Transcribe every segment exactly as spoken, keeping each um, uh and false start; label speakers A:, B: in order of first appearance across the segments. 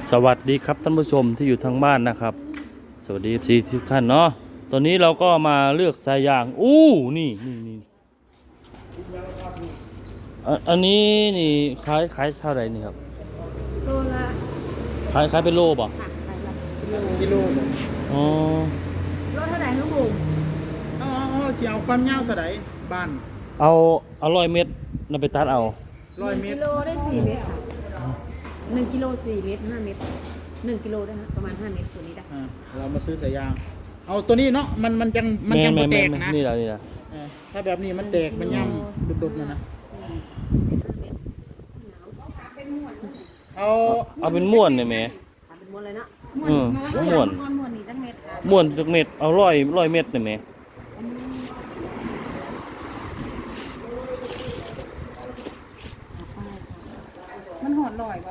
A: สวัสดีครับท่านผู้ชมที่อยู่ทางบ้านนะครับสวัสดี เอฟ ซี ทุกท่านเนาะตอนนี้เราก็มาเลือกสายยางอู้นี่นี่นี่อันอันนี้นี่ขายขายเท่าไหร่นี่ครับ
B: โลละ
A: ขายขายเป็นโลป่ะ
B: ค่ะขายละ
C: กิโล
A: อ๋อ
B: โลเท่าไหร่ลูกบุ๋ม
C: อ๋ออ๋อเสียวความยาวเท่าไหร่บ้าน
A: เอาเอาร้อยเม็ดเราไปตัดเอา
C: ร้อยเมตร
B: กิโลได้สี่เมตรค่ะหนึ่งกิโลสี่เมตรห้าเมตรหนึ่งกิโลได้ฮะประมาณห้าเมตรตัวนี้ได้
C: อ่าเรามาซื้อสายยางเอาตัวนี้เนาะมันมันยังมันยัง
A: แม่
C: ไม่แต
A: แม่
C: ก
A: แม่
C: นะ
A: นี่แหละนี่แหละ
C: เออถ้าแบบนี้มันแตกมันย่ำดุดๆนะนะเอา
A: เอาเป็นม้วนเนี่ยแม่
B: ทำเป็นม้วนเลยเนาะ
A: อืมม้วน
B: ม้วนม้วนนี่จังเม็ดค่ะ
A: ม้วนจักเม็ดเอาร้อยร้อยเม็ดเนี่ยแม่
B: มันหอดลอยป่ะ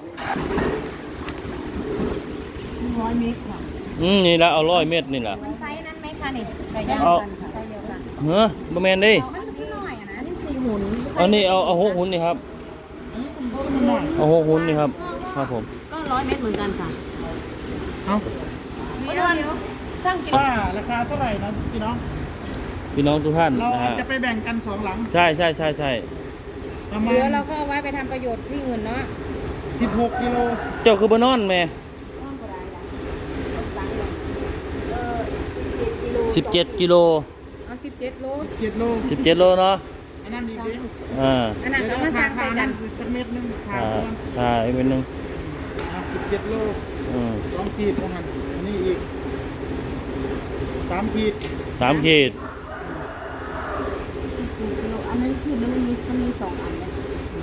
B: ร้อยเมตรค่ะ
A: อืมนี่ละเอาร้อยเม็ดนี่ละ
B: มันไซส์นั้นไหมคะนี่ไซส์เดียวกันค่ะไซส์เดียวกัน
A: เฮ้ยบะแมนดิ
B: มันจะน้อยอ่ะนะนี่สี่หุ่น
A: เอานี่เอาเอาหกหุ่นนี่ครับเอาหกหุ่นนี่ครับครับผม
B: ก็ร้อยเมตรเหมือนกันค่ะ
C: เอา
B: เดี๋ยวเดี๋ยวช่างกิน
C: ว่าราคาเท่าไหร่นะพี่น้อง
A: พี่น้องทุกท่าน
C: เรา
A: นะ
C: อาจ
A: ฮะ
C: จะไปแบ่งกันสองหลัง
A: ใช่ใช่ใช่ใช่
C: ประมา
B: เหลือ
C: ณ
B: เราก็เอาไว้ไปทำประโยชน์ที่อื่นเนาะ
C: สิบหกกิโล
A: เจ้าคือบานอนแม่สิบเจ็ดกิโล
B: เอาสิบเจ็ดโล
C: เจ็ดโล
A: สิบเจ็ดโลเนาะ
C: อันนั้นดีดิ
A: อ่า
B: อันนั้นก็มาสร้างใส่กัน
C: สักเม็ดนึงขาด
A: อ่า
C: ก่อน
A: อ่าอีกเป็นหนึ่ง
C: สิบเจ็ดโล
A: อืม
C: สองขีดของหันอันนี้อีกสามขีด
A: สามขีด
B: อันนั้นคือมันมีมันมีสองอันเนี่ย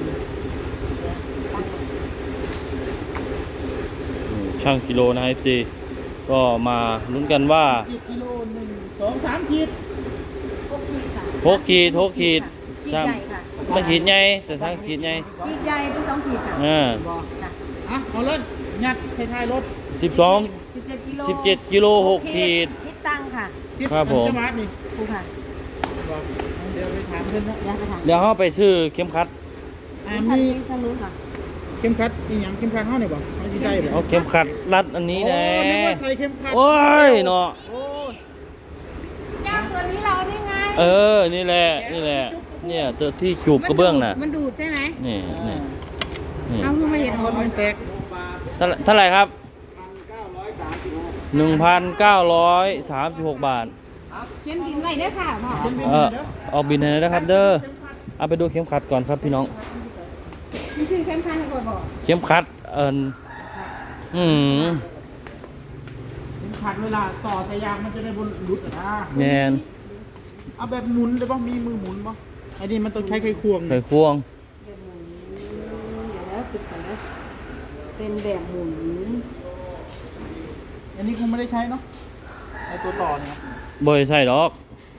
A: อืมช่างกิโลนะ เอฟ ซี ก็มาลุ้นกันว่า
C: ขีดกิโลหนึ่งสองสามขีด
B: หกขีดค่ะ
A: หกขีดหกขีด
B: ขีดใหญ่ค่ะ
A: ไม่ขีดใหญ่แต่สร้างขีดใหญ่
B: ขีดใหญ่เป็นสองขีดค่ะ
A: อ่า
C: บอก
B: ค่ะ
C: อ่ะเอาเลยยัดใส่ท้ายรถ
A: สิบสอง
B: สิบเจ็ดกิโล
A: สิบเจ็ดกิโลหกขีด
B: คิดตังค่ะ
C: คิด
A: ครับผม
C: อันจะมาดนี่
B: ครูค่ะ
C: บอกเดี๋ยวไปถามเพื่อนเนาะ
B: ย้ายไปทาง
A: เดี๋ยวเขาไปซื้อเข็มขัด
C: อ่า
B: ทาง
C: มี
B: นี้ทางนู้นค่ะ
C: เข็มขัดอีหยังเข็มขัดเท่าไหร่บ่เอาสิได้บ่
A: เอาเข็มขัดรัดอันนี้แน่
C: โอ้นึกว่าใส่เข็มขัด
A: โอ้ยเนาะ
C: โอ้ย
B: เจ้าตัวนี้เรานี่ไง
A: เออ นี่แหละ นี่แหละ เนี่ยตัวที่จูบกระเบื้องน่ะ
B: มันดูดใช่ไหม
A: นี่นี่นี่
B: เอาคือมาเห็นหมด
C: มันแตก
A: เท่าเท่าไหร่ครับ หนึ่งพันเก้าร้อยสามสิบหกบาท
B: เขียนบินไว้ด้วยค่ะพ่อ
A: เออเอาบินให้นะครับ เด้อ เอาไปดูเข็มขัดก่อนครับพี่น้อง
B: นี่คือเข้มข้นกว่าบอก
A: เข็มขัด เอินอืม
C: เข็มขัดเวลาต่อสายยางมันจะได้บนหลุดอ่ะ
A: แมน
C: เอาแบบหมุนได้บ่มีมือหมุนบ่ไอ้นี่มันต้องใช้ไขควง
A: ไขควง
B: เดี๋ยวแล้วติดกันนะเป็นแบบหมุน
C: อันนี้คงไม่ได้ใช้เนาะไอ้ตัวต่อเนี่ย
A: บ่อยใส่ดอก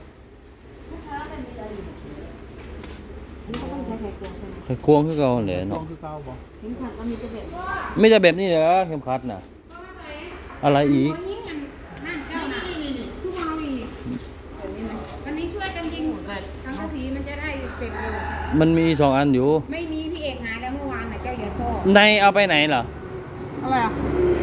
B: อันนี้ก็ต้องใช้ไขควงใช่ไหม
A: ไขควงคือเก่าแหละ
C: ลอ
A: เนาะ
C: งคือเก่าบ่
B: เข็มขัดมันมีแต่แบบ
A: ไม่จะแบบนี้เหรอเข็มขัดน่ะ อะไรอีก
D: ยิงกันนั่นเจ้าน่ะคือเมาอีกวันนี้ช่วยกันยิงสังกะสีมันจะได้เสร็จเร็ว
A: มันมีสองอันอยู่
D: ไม่มีพี่เอกหาแล้วเมื่อวานน่ะเจ้าอย่าโซ่
A: ในเอาไปไหนเหรอ
C: อะไรอ่ะ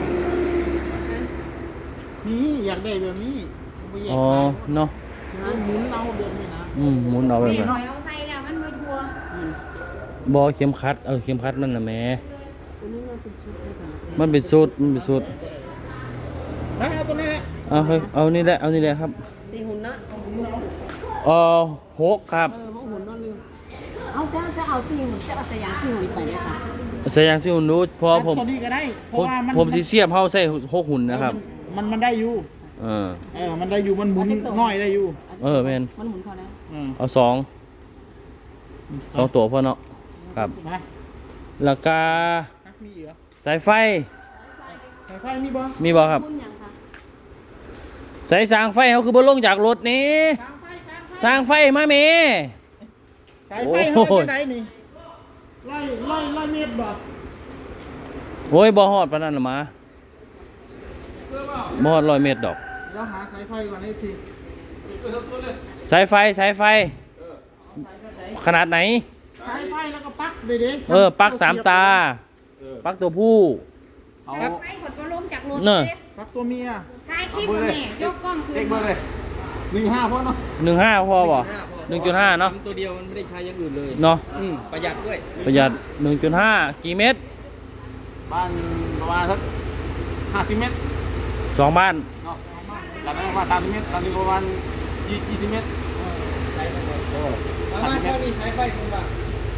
C: นี่อยากได้แบบนี้เอาไปแยก
A: อ๋อ
C: ขาย
A: เนาะ
C: เอาหมุนเอาแบบนี้นะ
A: อืมหมุนเอาไป
D: เป
A: ไห
D: ลี่ยน
A: น
D: หน่อยเอาใส่แล้วมันไม่ทัว
A: บอเข็มขัด เออเข็มขัดมันน่ะแหม่
B: อันนี้มันเป็นชุดเลยค่ะ
A: มันเป็นสูตรมันเป็นสูตร
C: แล้วเอาตัวนี้แหละ
A: เอาเฮ้ยเอานี่แหละ เอานี่แหละครับ
B: สี่หุ่นเนาะ
A: เออหกครับ
B: เออพวกหุ่นนั่นเลยเอาจะจะเอาสี่หุ่นจะเอาสยามสี่หุ่นไปเนี่ยค่ะ
A: ใส่ยางสิหุ่นดูเพราะผม
C: ตัวนี้ก็ได้เพ
A: ผม
C: ราะว่ามัน
A: ผมสิเสียบเฮาใส่หกหุ่นนะครับ
C: มันมันได้อยู่
A: เออ
C: เออมันได้อยู่มันหมุนน้อยได้อยู่
A: เออแม่น
B: มันหมุนพอแล้ว
C: อืม
A: เอาสองสองตัวพอเนาะครับ
C: มา
A: แล้วก็
C: ฮักมีเหรอ
A: สายไฟ
C: สายไฟมีบ่
A: มีบ่ครับ
B: พุ่นยังค่ะ
A: สายสางไฟเขาคือบ่ลงจากรถนี่
C: สายไฟสายไฟ
A: สางไฟมาเม
C: สายไฟ
A: โอ้
C: เฮา
A: โห
C: จะได้นี่ร้อยร้อยร้อยเมตรบ่
A: โอ้ยบ่ฮอดปานนั้นละมาบ่ฮอดร้อยเมตรดอก
C: เราหาสายไฟก่อนให้ที
A: สายไฟสายไฟ ขนาดไหน
C: สายไฟแล้วก็ปลั๊กเลยเด้
A: เออปลั๊กสามตาปลั๊กตัวผู้
C: เอา
D: ไอ้คนก็ลงจากรถ
A: เนอะ
D: เลย
C: พักตัวเมีย
D: ถ่ายคลิปแม่ยกกล้องคื
C: เด็
D: น
C: กเบอร์เลยหนึ่งห้าพอเนาะ
A: หนึ่งห้าพอบ่หนึ่งจุดห้าเนาะ
E: ตัวเดียวมันไม่ได้ใช้อย่างอื่นเลย
A: เนาะ
E: อืมประหยัดด้วย
A: ประหยัดหนึ่งจุดห้ากี่เมตร
C: บ้านประมาณสักห้าสิบเมตร
A: สองบ้าน
C: เนาะหลังนั้นประมาณสามสิบเมตรหลังนี้ประมาณยี่สิบเมตร
E: แล้วมันก็มีใช้ไฟคุณป่ะ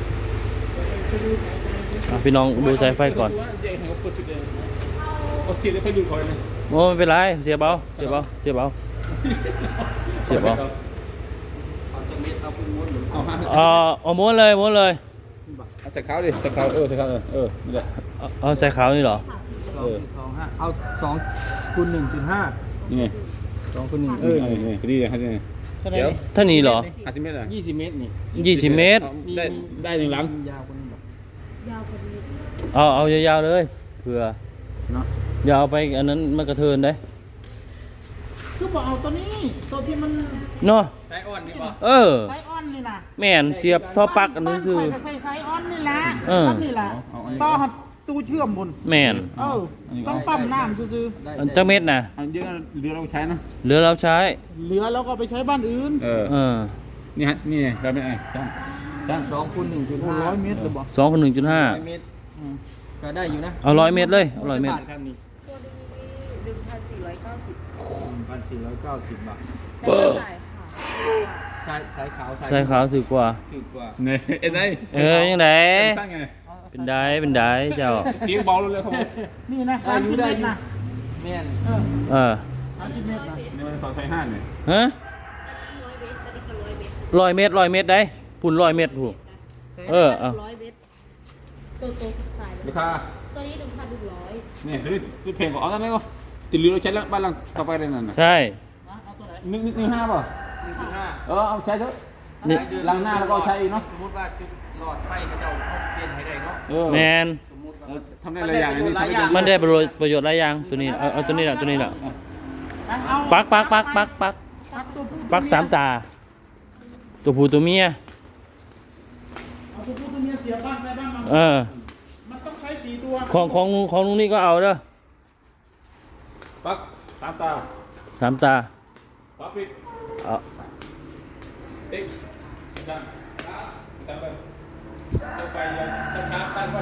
A: อ่ะพี่น้องดูสายไฟก่อน
C: เจ๊เขาเปิดชุดเองเอาเสียได้ไฟดูดก่อนเลย
A: โอ้ไม่เป็นไรเสียเบาเสียเบาเสียเบาเสียเบา
E: เอาจะเม็ดเอาคุณม้วนหรือ
C: เอาห้า
A: เออเอาม้วนเลยม้วนเลย
C: เอาใส่ขาวดิใส่ขาวเออใส่ขาวเออเออนี่แหละ
A: เอาเอาใส่ขาวนี่เหรอ
E: สองสองห้าเอาสองคูณหนึ่งจุดห้า
C: นี่ไง
E: สองคูณหนึ่ง
C: เออนี่นี่พอดีเลยครับนี่
E: เดี๋ยว
A: ท่านี้เหรอ
C: ห้าสิบเมตรอ่ะ
E: ยี่สิบเมตรนี่
A: ยี่สิบเมตร
C: ได้ได้หนึ่งหลัง
E: ยาวกว่านี้แบบ
B: ยาวพอดี
A: เอาเอายาวๆเลยเผื่อ
C: เนาะ
A: อย่าเอาไปอันนั้นมันกระเทินได้
C: คือบอกเอาตัวนี้ตัวที่มัน
A: เนาะ
E: ใช้อ่อนดีป่ะ
A: เออ
C: ไซออนนี่นะ
A: แม่นเสียบท่อปลั๊กอันนี้ซื้อ
C: บ้านข่ยก็ใส่ไซออนนี่แหละ
A: เออ
C: ซ้ำนี่แหละต่อหัดตู้เชื่อมบน
A: แม่น
C: เออต้องปั๊มน้ำซื้อ
A: อันจักเม็ดน่ะ
C: ๆอันเยอะเรือเราใช้นะ
A: เหลือเราใช้
C: เหลือแล้วก็ไปใช้บ้านอื่น เออ
A: เออ
C: นี่ฮะ นี่เราเป็นไงจ้างจ้าง
E: สองคูณหนึ่งจุด
C: โอ้
E: ห้า
C: ร้อยเมตรเลยบอก
A: สองคนหนึ่งจุดห้า
E: ร้อยเมตรก็ได้อยู่นะ
A: เอาร้อยเมตรเลยเอาร้อยเมตร
E: บาทครับนี่
D: ตัวดีหนึ่งพันสี่ร้อยเก้าสิบ
E: หนึ่งพันสี่ร้อยเก้าสิบบาท
D: ได้เท่าไหร่ค่ะ
E: สายสายขาวสาย
A: ใส่ขาวถือกว่า
E: ถูกกว่า
C: เนี่ยเอ็นไอ
A: เออยังไง
C: สั้นไง
A: เป็นได้เป็นได้เจ้า
C: เสียงเบาเลยครับนี่นะสามสิบเมตรนะ
E: แม่น
C: เออ
A: เออ
C: สามสิบเมตรนะนี่มันสองไฟห้าเนี่ย
A: ฮะ
D: ร้อยเมตรตอนนี้ก็ร้อยเมตร
A: ร้อยเมตรร้อยเมตรได้พุ่นร้อยเมตรถูก เออเอา
D: ร้อยเมตรตัวโตสาย
C: ราคา
D: ตัวนี้หนึ่งพันหนึ่งร้อย
C: เนี่ยคือคือเพลงของเอาตั้งแต่ก็ติดเรือเราใช้แล้วบ้านหลังต่อไปเลยนั่นน่ะ
A: ใช่
C: หนึ่งหนึ่งห้าป่ะ
E: หนึ่งจุดห้า
C: เออเอาใช้เถอะ
A: นี่
C: หลังหน้าแล้วก็เอาใช้อีกเนาะ
E: สมมติว่าจุดหลอดไฟก็จะเอาเข้าเปลี่ยนให้ได้เนาะ
C: เออ
A: แมน
E: สมมติ
C: เอ
E: ว่า
C: อทำได้หลายอย่าง
E: มันได้ประโยชน์หลายอย่าง
A: มันได้ประโยชน์ประโยชน์หลายอย่างตัวนี้เอาเอาตัวนี้แหละตัวนี้แหละปักปักปักปักปักปักสามตา ตัวผู้ตัวเมีย
C: เอาตัวผู้ตัวเมียเสียบ้างได้บ้างมั้ง
A: เออ
C: มันต้องใช้สี่ตัว
A: ของของของลุงนี่ก็เอาเด้อ
C: ปักสามตา
A: สามตา
C: ปักปิด
A: เอา
C: ติ๊กจังจังไปจะไปยังจะช้าตั้งไว้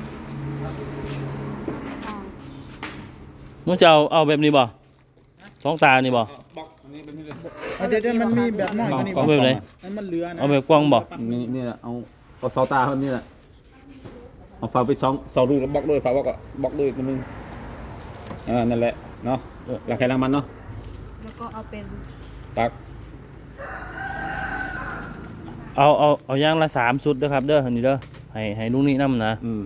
A: มึงจะเอาเอาแบบนี้บ่สองตานี่บ่
C: บอกอันนี้เป็นนี่เลย
F: เดี๋ยวเดี๋ยวมันมีแบบน้อยกว่านี้
A: เอาแบบไหน
F: นั่นมันเหลือนะ
A: เอาแบบกว้างบ่
C: นี่นี่แหละเอาเอาเสาตาแบบนี้แหละเอาฝาไปสองเสาดูแล้วบล็อกด้วยฝาบล็อกอะบล็อกด้วยตัวนึงอ่านั่นแหละเนาะราคาแรงมันเนาะ
D: แล้วก็เอาเป็น
C: ตัก
A: เอาเอาเอาอย่างละสามชุดเด้อครับเด้ออันนี้เด้อให้ให้ลุงนี่นำนะ
C: อืม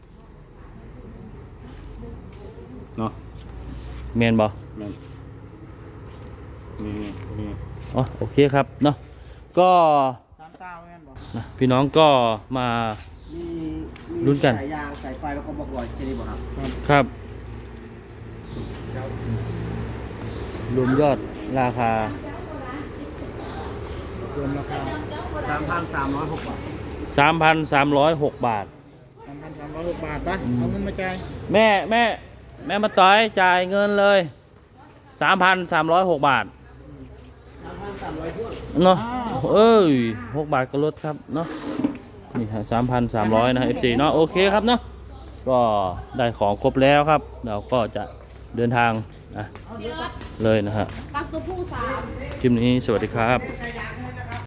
C: เนาะ
A: แม่นบ่
C: แม่นนี่นี่
A: อ๋อโอเคครับเนาะก็
F: สามตาแม่นบอก
A: นะพี่น้องก็มา
F: มีมี
A: ลุ้นกัน
F: สายยางสายไฟแล้วก็บอกลอยใช่ไหมบอกครับ
A: ครับรวมยอดราคาร
F: วมราคาสามพันสามร้อยหกบาท
A: สามพันสามร้อยหกบาท
F: สามพันสามร้อยหกบาทปะเอาเงินมาจ่าย
A: แม่แม่แม่มาต่อยจ่ายเงินเลยสามพันสามร้อยหกบาท
F: สามพันสามร้อยพวก
A: เนาะเอ้ยหกบาทก็ลดครับเนาะนี่ฮะสามพันสามร้อยนะเอฟซีเนาะโอเคครับเนาะก็ได้ของครบแล้วครับ เราก็จะเดินทางนะเลยนะฮะ
D: ปักตัวผู้สาม
A: คลิปนี้สวัสดีครับ
D: สายยาง